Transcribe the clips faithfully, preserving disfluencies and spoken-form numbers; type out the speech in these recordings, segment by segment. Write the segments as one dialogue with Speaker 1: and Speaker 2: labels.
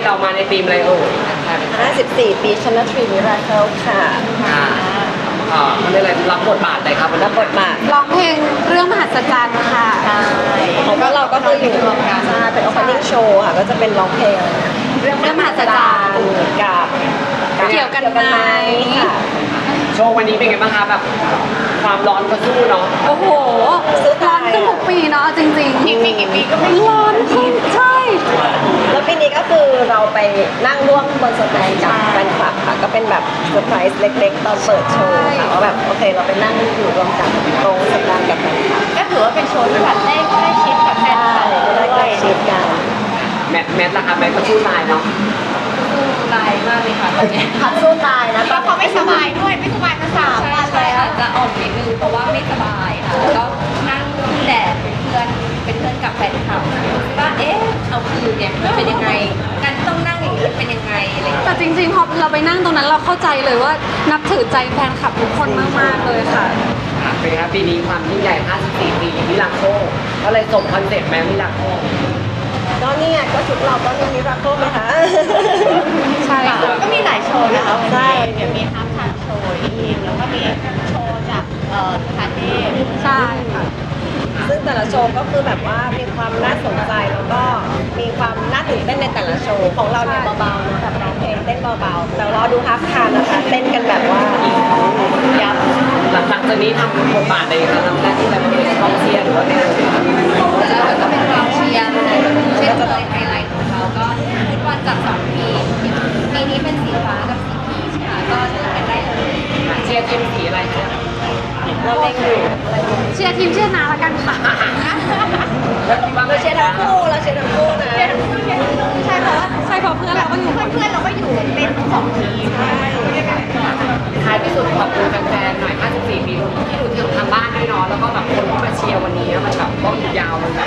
Speaker 1: เรามาในทีมอะไรเอ่ย
Speaker 2: ห้าสิบสี่ปีชันนาทรีมิราเคิลค่ะ
Speaker 1: ค่ะอ่าเขาเรียกอะไรรับบทบาทอะไรครับวัน
Speaker 2: รั
Speaker 1: นี้
Speaker 2: บบทบาท
Speaker 3: ร้องเพลงเรื่องมหัศจรรย์ค่ะ
Speaker 2: ของพวกเราก็คืออยู่ใช่เป็น opening show ค่ะ ก็จะเป็นร้องเพลง
Speaker 3: เรื่องมหัศจรรย์
Speaker 2: กับ
Speaker 3: เกี่ยวกันไหม
Speaker 2: ค่ะ
Speaker 1: โชว์วันนี้เป็นไงบ้างคะแบบความร้อนก็สู้เนาะ
Speaker 3: โอ้โห
Speaker 2: สู้
Speaker 3: ร้อ
Speaker 2: ตาน ย
Speaker 3: ขึ้นทุกปีเนาะจริงๆ
Speaker 2: กี่ปีกี่ปีก็ไม่
Speaker 3: ร้อนขึ้นใช่
Speaker 2: แล้วปีนี้ก็คือเราไปนั่งร่วมบนสแตนกับแฟนคลับค่ะ ก็เป็นแบบเซอร์ไพรส์เล็กๆ ตอนเปิดโชว์ค่ะว่าแบบโอเคเราไปนั่งอยู่รวมกันตรงสแตนกับแฟนคลับ
Speaker 4: ก็ถือว่าเป็นโชว์ที่แบบได้ใกล้ชิดกับแฟนคลับ
Speaker 2: ได้ใกล้ชิดกัน
Speaker 1: แมทแมทล่ะคะแมทก็สู้ตายเนาะ
Speaker 4: ลายมากเลยค่ะตอนนี้
Speaker 2: ขัดสู้ตายนะ
Speaker 4: เพราะเขาไม่สบายด้วยไม่สบายมาสาม
Speaker 5: ใช่
Speaker 4: วัน
Speaker 5: ใช่
Speaker 4: แล้ว
Speaker 5: อาจจะออกนิดนึงเพราะว่าไม่สบายค่ะแล้วก็นั่งแดดเป็นเพื่อนเป็นเพื่อนกับแฟนคลับว่าเอ๊ะเอาคืนเนี่ยมันเป็นยังไงการต้องนั่งอย่างนี้เป็นยังไงอะไรอย่างเงี้ย
Speaker 3: แต่จริงๆพอเราไปนั่งตรงนั้นเราเข้าใจเลยว่านับถือใจแฟนคลับทุกคนมากๆเลยค่ะ
Speaker 1: ค่ะเป็นไงครับปีนี้ความยิ่งใหญ่ห้าสิบสี่ปีมิลาโคก็เลยส่งคอนเซ็ปต์แมมิลาโค
Speaker 2: ก็เนี่ยก็ชุดเราก็มีมิราเคิลไหมคะ
Speaker 3: ใช่ค่ะ
Speaker 4: ก็มีหลายโชว์นะคะวัน
Speaker 2: ใช่
Speaker 4: นี้เดี๋ยวมีฮาร์ปทางโชว์อีกแล้วก็มีโชว์จากเอ่อคาเทพ
Speaker 3: ใช่ค่ะ
Speaker 2: ซึ่งแต่ละโชว์ก็คือแบบว่ามีความน่าสนใจแล้วก็มีความน่าตื่นเต้นในแต่ละโชว์ของเราเนี่ยเบาๆนะแบบร้องเพลงเต้นเบาๆแต่รอดูฮาร์ฟทานนะคะเต้นกันแบบว่ายับ
Speaker 1: หลังจากนี้ทำบทบาทอะไรคะทำหน้าที่อะไรบ้างเป็นกองเชียร์หรือว่าเป็นอะไร
Speaker 5: แล้วก็เป็นความเชียร์เช่นเคยไฮไลท์ของเขาก็ฟุตบอลจากสองทีมปีนี้เป็นสีฟ้ากับสีพีชค่ะก็เลือกกันได้เลย
Speaker 1: เชียร์ทีมสีอะไรคะ
Speaker 2: เราเล่นอยู่
Speaker 3: เชียร์ทีมเชียร์นาละกันค่ะ
Speaker 1: แล้วคิดว่า
Speaker 2: เราเชียร์ทั้งคู่เราเชียร์ทั้งคู่นะ
Speaker 4: ใช่เพราะว่า
Speaker 3: ใช่เพราะเพื่อนเราก็อยู่หมด
Speaker 4: เพื่อนๆเราก็อยู่เป็นสองทีม
Speaker 1: ท้ายที่สุดขอบคุณแฟนๆหน่อยห้าสิบสี่ปีที่ดูที่ทางบ้านด้วยเนาะแล้วก็แบบคนที่มาเชียร์วันนี้มันแบบก็ยาวมันแบบ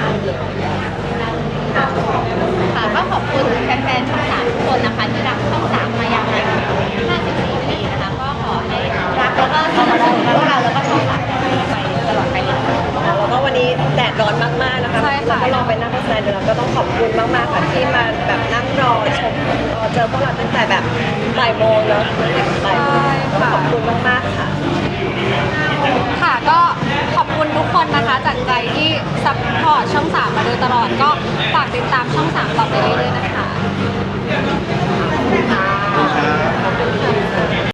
Speaker 4: ค่ะก็ขอบคุณแฟนๆช่องสามทุกคนนะคะที่รักช่องสามมาอย่างนานห้าสิบสี่ปีนะคะก็ขอให้รักแล้วก็สนับสนุนพวกเราแล้วก็ช่องสามไปตลอดไปเลย
Speaker 2: แล้วก็วันนี้แดดร้อนมากๆนะคะ
Speaker 3: ใช่ค่ะ
Speaker 2: เราก็ลองไปนั่งที่สแตนด์เราก็ต้องขอบคุณมากๆค่ะที่มาแบบนั่งรอชมรอเจอพวกเราตั้งแต่แบบบ่ายโมงเนาะบ่ายโมงก็ขอบคุณมากๆค่ะ
Speaker 3: ค่ะก็ขอบคุณทุกคนนะคะจากใจที่ซัพพอร์ตช่องสามมาโดยตลอดก็ฝากติดตามช่องสามต่อไปเรื่อยๆนะคะ